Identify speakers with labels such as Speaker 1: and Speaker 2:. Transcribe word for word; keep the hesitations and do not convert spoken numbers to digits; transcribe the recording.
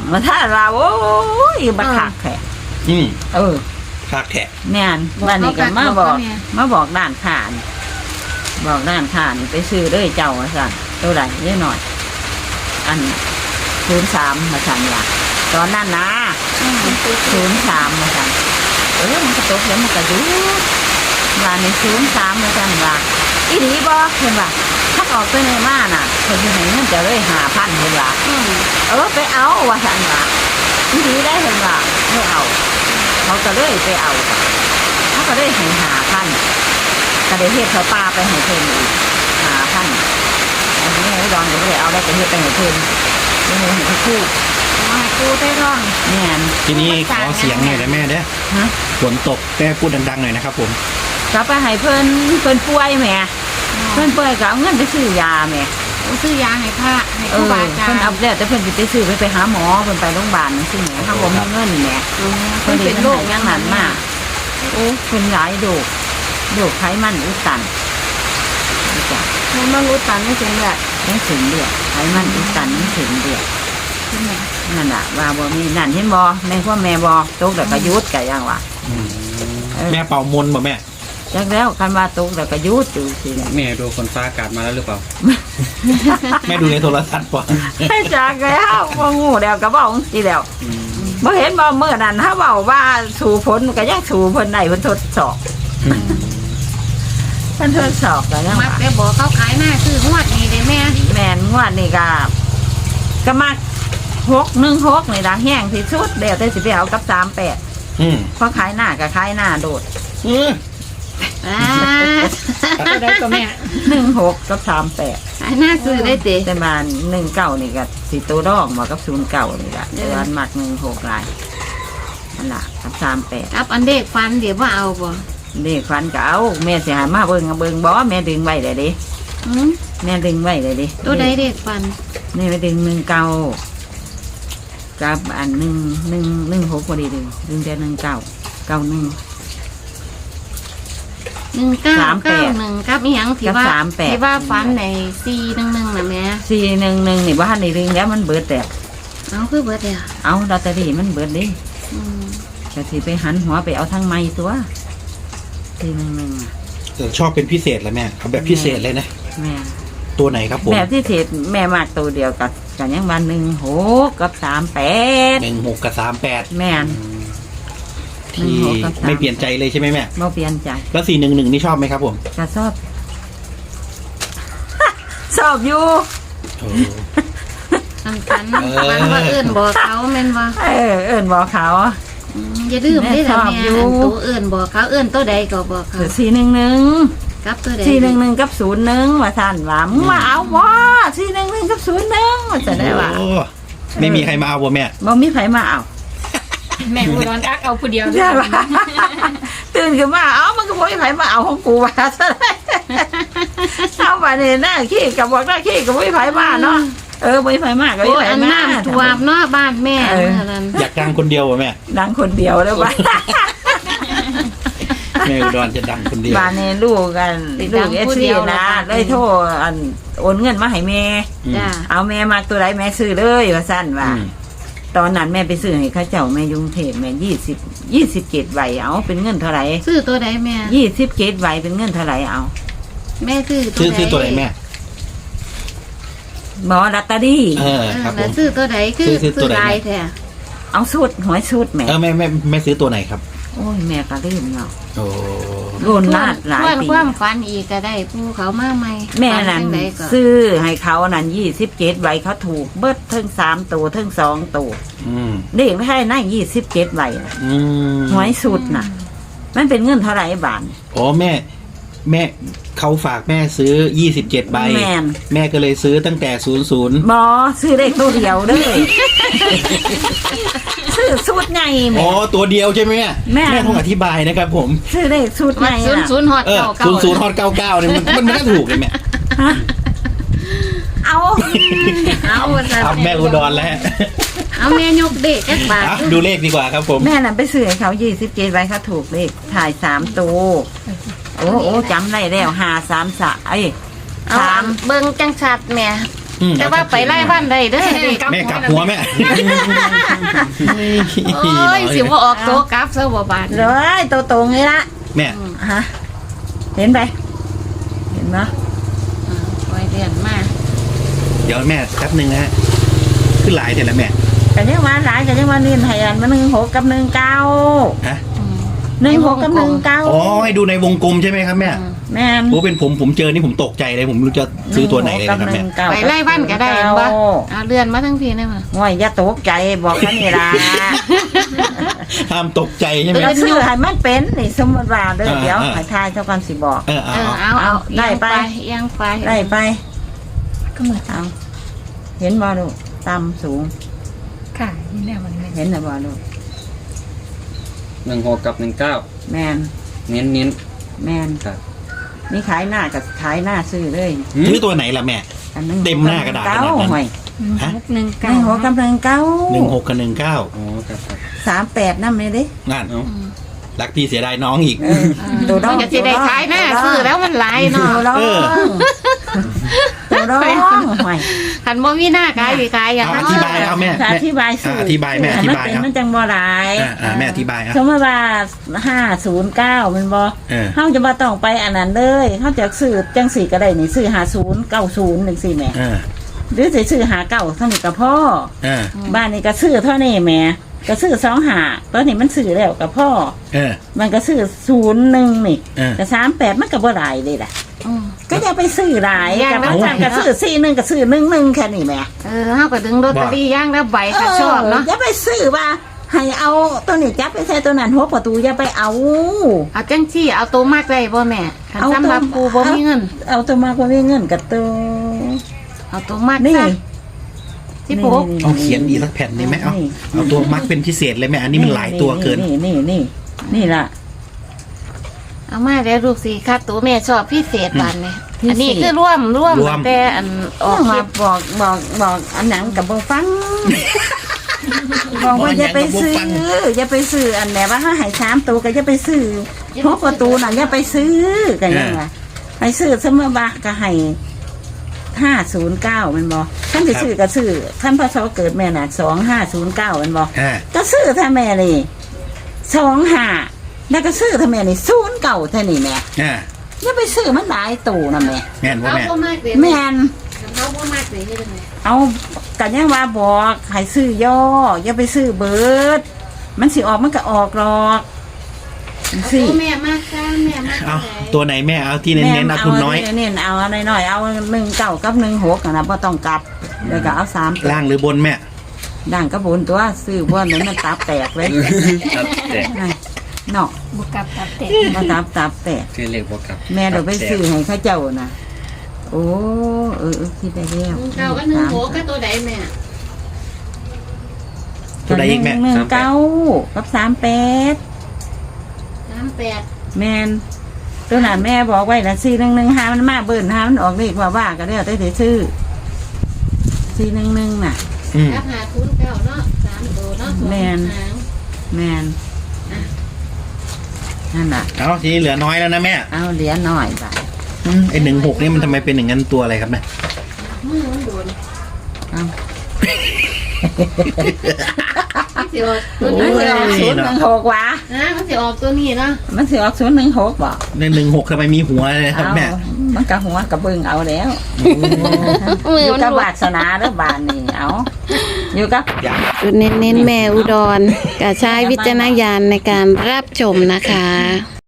Speaker 1: มาถ้าเราโอ้ยบักคักแท้
Speaker 2: อืม
Speaker 1: เออ
Speaker 2: คักแท้
Speaker 1: แม่นบ้านนี้ก็มาบอกมาบอกด้านขานบอกด้านขานไปซื้อเลยเจ้าว่าสั่นตัวไหนเยอะหน่อยอันศูนย์สามมาสั่นว่าตอนนั้นนะศูนย์สามมาสั่นเออมันกระตกแล้วมันกระยุบว่าในศูนย์สามมาสั่นว่าอีหลีบอกเห็นป่ะถ้าออกไปในบ้านน่ะคนที่ไหนมันจะเลยหาพันเห็นป่ะเออไปเอาว่าสั่นว่าอีหลีได้เห็นป่ะไม่เอาเขาก็เลยไปเอาเขาก็เลยให้หาพันก็ได้เฮ็ดเขาปลาไปให้เพิ่นอีกหาพันอันนี้ไอ้ดอนก็เลยเอาได้ไปเฮ็ดไปให้เพิ่นนี่ให้ให้คู่มาคู่ได้ร้องเนี่ย
Speaker 2: ทีนี้ขอเสียงหน่อยได้แม่เด้อฮะฝนตกแม่พูดดังๆหน่อยนะครับผม
Speaker 1: ก็ไปให้เพิ่นเพิ่นป่วยแม่เพิ่นป่วยก็เอาเงินไปซื้อยาแม่
Speaker 3: ซื้อยาให้พระให้ครูบาอาจารย์
Speaker 1: เพิ่นเอาแล้วแต่เพิ่นสิไปซื้อไปไปหาหมอเพิ่นไปโรงพยาบาลนั่นสิแม่ถ้าบ่มีเงินแม่เพิ่นเป็นโรคอย่างนั้นมาโอ้เพิ่นหลายโรคโรคไขมันอุดตันจ้ะ
Speaker 3: ไขมันอุดตันไม่ถึงเลือด
Speaker 1: ไม่ถึงเลือดไขมันอุดตันไม่ถึงเลือดนั่นน่ะว่าบ่มีนั่นเห็นบ่แม่พ่อแม่บ่ตกแล้วก็ยุดก็ยังว่า
Speaker 2: แม่เป่ามนต์บ่แม่
Speaker 1: จักแล้วคันว่าตกแล้วก็ยุดอยู่สิ
Speaker 4: แม่ดูคนฟ้าอากาศมาแล้วหรือเปล่า
Speaker 2: แม่ดูในโทรทัศน์ป่ะ
Speaker 1: ให้จักแล้วบ่งูแล้วก็เว้าสิแล้วบ่เห็นบ่มื้อนั้นถ้าเว้าว่าสู่ผลก็ยังสู่เพิ่นได้เพิ่นทดสอบเพิ่นทดสอบก็ยัง
Speaker 3: มักแต่บอกเขาขายหน้าซื้องวดนี้เด้แม่
Speaker 1: แม่นงวดนี้ก็ก็มักหกหนึ่งหกนี่ล่ะแห้งที่สุดแล้วแต่สิไปเอากับสามแปด
Speaker 2: อืม
Speaker 1: พอขายหน้าก็ขายหน้าโดด
Speaker 2: อือ
Speaker 3: อ่าได้ก็แม่
Speaker 1: หนึ่งหกกับสามแปด
Speaker 3: ขายหน้าซื้อได้ติ
Speaker 1: แต่มาหนึ่งเก้านี่ก็สิตัวดองมากับศูนย์เก้านี่ล่ะแต่ว่ามักหนึ่งหกหลายนั่นล่ะกับสามแปด
Speaker 3: ครับอันเด็กฟันเดี๋ยวว่าเอาบ่
Speaker 1: เด็กฟันก็เอาแม่สิหามาเบิ่งเบิ่งบ่แม่ดึงไว้เลยดิแม่ดึงไว้เลยดิ
Speaker 3: ตัวใดเด็กฟัน
Speaker 1: นี่ไปดึงหนึ่งเก้ากับอันหนึ่งหนึ่งหนึ่งหกพอดีดึงดึงแต่หนึ่งเก้าเก้าหนึ่ง
Speaker 3: หนึ่งเก้าเก้าหนึ่งครับอีหยังที่ว่าที่ว่าฟันในสี่หนึ่งหนึ่งนะแม่
Speaker 1: สี่หนึ่งหนึ่งนี่ว่าในดึงแล้วมันเบิดแต่
Speaker 3: เอาคือเบิดเดียว
Speaker 1: เอาลอตเตอรี่มันเบิดดิแต่ที่ไปหันหัวไปเอาทั้งไม้ตัวสี่หนึ่งหนึ่ง
Speaker 2: แต่ชอบเป็นพิเศษเลยแม่เอาแบบพิเศษเลยนะ
Speaker 1: แม่
Speaker 2: ตัวไหนครับผม
Speaker 1: แบบพิเศษแม่มากตัวเดียวกับกันยังวันหนึ่งหกกับสามแปด
Speaker 2: หนึ่งหกกับสามแปด
Speaker 1: แม่
Speaker 2: ที่ไม่เปลี่ยนใจเลยใช่ไหมแม่
Speaker 1: ไม่เปลี่ยนใจ
Speaker 2: แล้วสี่หนึ่งหนึ่งนี่ชอบไหมครับผม
Speaker 1: ก็ชอบชอบอยู่
Speaker 3: ฟันฟันฟันว่าเอื้อนบอกเขาแม่นว่า
Speaker 1: เออเอื้อนบอกเขา
Speaker 3: อย่าลืมได้แต่แม่ตัวเอื้อนบอกเขาเอื้อนตัวใดก็บอกเขา
Speaker 1: สี่หนึ่งหนึ่ง
Speaker 3: กับตัวใด
Speaker 1: สี่หนึ่งหนึ่งกับศูนย์หนึ่งว่าท่านว่ามึงมาเอาว่าสี่หนึ่งหนึ่งกับศูนย์หนึ่งว่าจะได้ว่า
Speaker 2: ไม่มีใครมาเอาบ่แม่
Speaker 1: บ่มีใครมาเอา
Speaker 3: แม่กูนอนอักเอาผู้เดียว
Speaker 1: ใช่ป่ะตื่นขึ้นมาเอ้ามันก็บ่มีใครมาเอาของกูว่าซะเลยเอาไปเนี่ยหน้าขี้กับบอกหน้าขี้กับบ่มีใครมาเนาะเออบ่มีใครมาก็บ่มีใครมา
Speaker 3: น้ำท่วมเนาะบ้านแม่เมื่อนั้น
Speaker 2: อยากดังคนเดียวป่ะแม่
Speaker 1: ดังคนเดียวแล้วป่ะ
Speaker 2: แม่อุดรจะดังคนเดียว
Speaker 1: บ้านนี้ลูกกันลูกเอสซีนะเลยโทรอันโอนเงินมาให้แม่เอาแม่มาตัวไหนแม่ซื้อเลยว่าสั้นว่าตอนนั้นแม่ไปซื้อให้ข้าเจ้าแม่ยุงเทพแม่ยี่สิบยี่สิบเกตใบเอาเป็นเงินเท่าไหร่
Speaker 3: ซื้อตัวไหนแม่
Speaker 1: ยี่สิบเกตใบเป็นเงินเท่าไหร่เอา
Speaker 3: แม่ซื้อ
Speaker 2: ซื้อซื้อตัวไหนแม่
Speaker 1: หมอลัตตารี่
Speaker 2: เออครับผม
Speaker 3: ซื้อตัวไหนคือซื้อตัวไหนแท้
Speaker 1: เอาสูตรหวยสูตรแม่
Speaker 2: เออแม่แม่แม่ซื้อตัวไหนครับ
Speaker 1: โอ้ยแม่ก็ลืมเนาะ
Speaker 2: โอ้
Speaker 1: โดนลาดหลายปี
Speaker 3: ความฟันอีกก็ได้ผู้เขามาใหม่
Speaker 1: แม่นั่นซื้อให้เขานั่นยี่สิบเจ็ดใบเขาถูกเบิดทั้งสามตัวทั้งสองตัวเด็กไม่ให้นั่งยี่สิบเจ็ดใบหวยสุดน่ะมันเป็นเงินเท่าไหร่บาท
Speaker 2: อ๋อแม่แม่เขาฝากแม่ซื้อยี่สิบเจ็ดใบแม่แม่ก็เลยซื้อตั้งแต่ศูนย์ศูนย์
Speaker 1: บอซื้อได้ตัวเดียวเลยซื้อสูตรไงแม่
Speaker 2: อ๋อตัวเดียวใช่ไหมแม่แม่ต้องอธิบายนะครับผม
Speaker 1: ซื้อได้สูตรไง
Speaker 3: ศูนย์ศูนย์ฮอตเก้าเก้า
Speaker 2: ศูนย์ศูนย์ฮอตเก้าเก้าเนี่ยมันมันไม่ถูกเลยแม่
Speaker 1: เอา
Speaker 3: เอา
Speaker 2: เอาแม่อุดรแล้ว
Speaker 3: เอาแม่ยกเด็กแค่บาท
Speaker 2: ดูเลขดีกว่าครับผม
Speaker 1: แม่น่ะไปซื้อให้เขายี่สิบเจ็ดใบเขาถูกเลขถ่ายสามตัวโอ้โอ้จำได้แล้วห้าสามสะไอ้
Speaker 3: สามเบิ้งจังชัดแม่
Speaker 2: อืม
Speaker 3: แต่ว่าไปไล่บ้านได้เด้อเด็ก
Speaker 2: แม่กลับหัวแม่
Speaker 3: โอ้ยสิว่าออกโตกลับซะบ่บาด
Speaker 1: เลยตัวตรงนี่ละ
Speaker 2: แม่
Speaker 1: ฮะเห็นไปเห็นไหม
Speaker 3: ปล่อยเรียนมา
Speaker 2: เดี๋ยวแม่แป๊บหนึ่งนะฮะขึ้นหลายเดี๋ยวแล้วแม่
Speaker 1: กันยังว่าหลายกันยังว่านี่ให้อันมาหนึ่งหกกับหนึ่งเก้า
Speaker 2: ฮะ
Speaker 1: หนึ่งหกกับหนึ่งเก้า
Speaker 2: อ๋อให้ดูในวงกลมใช่ไหมครับแม่
Speaker 1: แม่น
Speaker 2: โอ้เป็นผมผมเจอนี่ผมตกใจเลยผมไม่รู้จะซื้อตัวไหนเลยนะครับแม่
Speaker 3: ไปไล่บ้านก็ได้เห็นบ่เอาเรือนมาทั้งทีได้บ่
Speaker 1: ง่อยอย่าตกใจบอกแค่นี้ล่ะ
Speaker 2: ห้ามตกใจใช่ไหม
Speaker 1: ก็ซื้อให้มันเป็นนี่สมมติว่าเด้อ
Speaker 2: อ่า
Speaker 1: เดี๋ยว
Speaker 2: อ่า
Speaker 1: ให้ทายเจ้ากันสิบอก
Speaker 2: เออเอา
Speaker 3: เออ
Speaker 2: เอา
Speaker 3: เอาเอา
Speaker 1: ได้ไป
Speaker 3: เอียงไป
Speaker 1: ได้ไป ก็มือเอาเห็นบ่ลูกต่ำสูง
Speaker 5: ค่ะนี่แหละวันนี้
Speaker 1: เห็นหรือบ่ลูก
Speaker 4: หนึ่งหกกับหนึ่งเก้า
Speaker 1: แมน
Speaker 4: เน้นเน้น
Speaker 1: แมน
Speaker 4: ครับ
Speaker 1: นี่ขายหน้ากับขายหน้าซื้อเลย
Speaker 2: ซื้อตัวไหนล่ะแม่
Speaker 1: อันนึง
Speaker 2: เต็มหน้ากระดาษข
Speaker 1: เก้า
Speaker 2: นาดนั้น
Speaker 1: ห่วย
Speaker 2: ฮะ
Speaker 5: มุกหนึ่ง
Speaker 1: ห
Speaker 5: เก้า
Speaker 1: นึ่งหกกับหนึ่งเก้า
Speaker 2: หนึ่งหกกับหนึ่งเก้า
Speaker 4: อ๋อครับครับ
Speaker 1: สามแปดนั่นเลยดิ
Speaker 2: นั่น
Speaker 4: เอา
Speaker 2: รักพี่เสียดายน้องอีก
Speaker 1: เออตัวน้
Speaker 3: มั
Speaker 1: อน ง
Speaker 3: ก็สิได้ขายหน้าซื้อแล้วมันหลายเนาะ
Speaker 1: ตัวน้อง
Speaker 2: เออ
Speaker 1: ตัวน้องห่วย
Speaker 3: คันบ่มีหน้าขายสิขายอย่าง
Speaker 2: เอา
Speaker 3: นั้น
Speaker 2: อธิบายเอาแม่
Speaker 1: อธิบายซื้
Speaker 2: อธิบายแม่อธิบาย
Speaker 1: ให้มันเป็นมันจังบ่หลาย
Speaker 2: อ่าอ่าแม่อธิบายอ่ะ
Speaker 1: สมมติว่าห้าศูนย์เก้ามันบ่
Speaker 2: เออ
Speaker 1: เฮาจะมาต้องไปอันนั้นเลยเฮาจะซื้อจังสี่ก็ได้นี่ซื้อหาศูนย์เก้าศูนย์หนึ่งสี่แหม่
Speaker 2: เออ
Speaker 1: หรือสิซื้อหาเก้าเท่านี้ก็พ่อ
Speaker 2: เออ
Speaker 1: บ้านนี้ก็ซื้อเท่านี้แหม่ก็ซื้อสองหาตอนนี้มันซื้อแล้วกับพ่อ
Speaker 2: เออ
Speaker 1: มันก็ซื้อศูนย์หนึ่งนี่
Speaker 2: เออ
Speaker 1: แต่สามแปดมันก็บ่หลายเลยล่ะ
Speaker 3: อืม
Speaker 1: ก็อย่าไปซื้อหลาย
Speaker 3: อย่าง
Speaker 1: กับ
Speaker 3: นั้น
Speaker 1: อาจารย์ก็ซื้อสี่หนึ่งก็ซื้อหนึ่งหนึ่งแค่นี้แหม่
Speaker 3: เออเฮาก็ดึงลอตเตอรี่ย่างละใบค่ะชอบเนาะ
Speaker 1: อย่าไปซื้อว่าให้เอาตัวนี้จับไปใส่ตัวนั้นหัวประตูอย่าไปเอา
Speaker 3: เอาจังซี่เอาตัวมากได้บ่แม่คัน
Speaker 1: เอาตัว
Speaker 3: สำหรับปูบ่มีเงิน
Speaker 1: เอาตัวมากกว่ามีเงินกับตัว
Speaker 3: เอาตัวมาก
Speaker 1: นี่
Speaker 3: ซะสิปู
Speaker 2: เอาเขียนอีกสักแผ่นได้ไหมเอาเอาตัวมัดเป็นพิเศษเลยแม่อันนี้มันหลายตัวเกิน
Speaker 1: นี่นี่นี่นี่ล่ะ
Speaker 3: เอามาแล้วลูกสิค่ะตัวแม่ชอบพิเศษบานนี่
Speaker 1: พิเศษ
Speaker 3: อันนี้คือร่วมร่วม
Speaker 2: ร่วม
Speaker 3: แต่อันอ
Speaker 1: อ
Speaker 3: อ
Speaker 1: อก ก
Speaker 3: ค
Speaker 1: มา
Speaker 3: ลิป
Speaker 1: บอกบอกบอกอันหนังกับบ่ฟัง บอกว่าอย่าไปซื้ออย่าไปซื้ออันไหนว่าถ้าใหายสามตัวก็อย่าไปซื้อหัวประตูน่ะอย่าไปซื้อกันยังไงไปซื้อเสมอบักก็ให้ห้าศูนย์เก้ามันบอกท่านไปซื้อก็ซื้อท่านพศเกิดแม่น่ะสองห้าศูนย์เก้ามันบอก
Speaker 2: อ่า
Speaker 1: ก็ซื้อท่าแม่นี่สองห้าแล้วก็ซื้อท่าแม่นี่ศูนย์เก่าท่านี่แม่
Speaker 2: อ่า
Speaker 1: อย่าไปซื้อมันหลายตู่นะแม่
Speaker 2: แม่นว่า
Speaker 3: เอา
Speaker 2: แม่
Speaker 3: บ่มากเลย
Speaker 1: แม่น
Speaker 3: เอาบ่มากเลยนี่เป็นไง
Speaker 1: เอากันยังว่าบอกให้ซื้อย่ออย่าไปซื้อเบิด มันสิออกมันก็ออกหรอก
Speaker 3: เอา
Speaker 1: สิ
Speaker 3: ตัวแม่มากจ้าแม่มาก
Speaker 2: เอา
Speaker 3: ไหน
Speaker 2: ตัวไหนแม่เอาที่เน้นๆเอาทุนน้อย
Speaker 1: เน้นๆเอาหน่อยๆเอาหนึ่งเก้ากับหนึ่งหกนะบ่ต้องกลับเดี๋ยวก็เอาสาม
Speaker 2: ล่างหรือบนแม่
Speaker 1: ด่างกระบุนตัวซื้อพวกนั้นมันตับแตกเลย
Speaker 4: ครับแต่
Speaker 1: เนาะ
Speaker 5: บุกกลับตับเตะ
Speaker 1: มันตับตับแตก
Speaker 4: คือเลขบวกกับ
Speaker 1: แม่เดี๋ยวไปซื้อให้เข้าเจ้านะโอ้เออเออคิดได้แล้ว
Speaker 3: หนึ่งเก้าก็หนึ่งโหก็ตัวใดแม่
Speaker 2: ตัวใดอีกแม่
Speaker 1: หนึ่งเก้ากับสามแปด
Speaker 3: สามแปด
Speaker 1: แมนตัวนั้นแม่บอกไว้ละสี่หนึ่งหนึ่งห้ามันมาเบิ่นห้ามันออกเลขว่าว่าก็ได้แต่ซื้อสี่หนึ่งหนึ่งน่ะ
Speaker 2: อืม
Speaker 3: รับหาทุนเก้าเนาะสามตัวเนาะสอง
Speaker 1: แม่น
Speaker 3: หาง
Speaker 1: แมนนั่นน่ะ
Speaker 2: เอาทีนี้เหลือน้อยแล้วนะแม่
Speaker 1: เอาเหรียญหน่อยไป
Speaker 2: อืมไอหนึ่งหกนี่มันทำไมเป็นอย่างนั้นตัวอะไรครับแม่
Speaker 3: มือมันโดน
Speaker 1: เอา
Speaker 3: มันสิออกตัว
Speaker 1: มัน
Speaker 3: นี้
Speaker 1: สิออกศูนย์หนึ่งหกวะ
Speaker 3: นะมันสิออกตัวนี้เนาะ
Speaker 1: มันสิออกศูนย์หนึ่งหกบ่
Speaker 2: ในหนึ่งหกทำไมมีหัวเลยครับ
Speaker 1: เอา
Speaker 2: แม่
Speaker 1: มันกะหัวกะเบิ่งเอาแล้ว
Speaker 3: มือ
Speaker 1: อยู่
Speaker 3: มัน
Speaker 1: กับ
Speaker 3: หลุด
Speaker 1: วาสนาเด้อบานนี่เอาอยู่กับ
Speaker 3: จุดเน้นๆแม่อุดรกะใช้วิจารณญาณในการรับชมนะคะ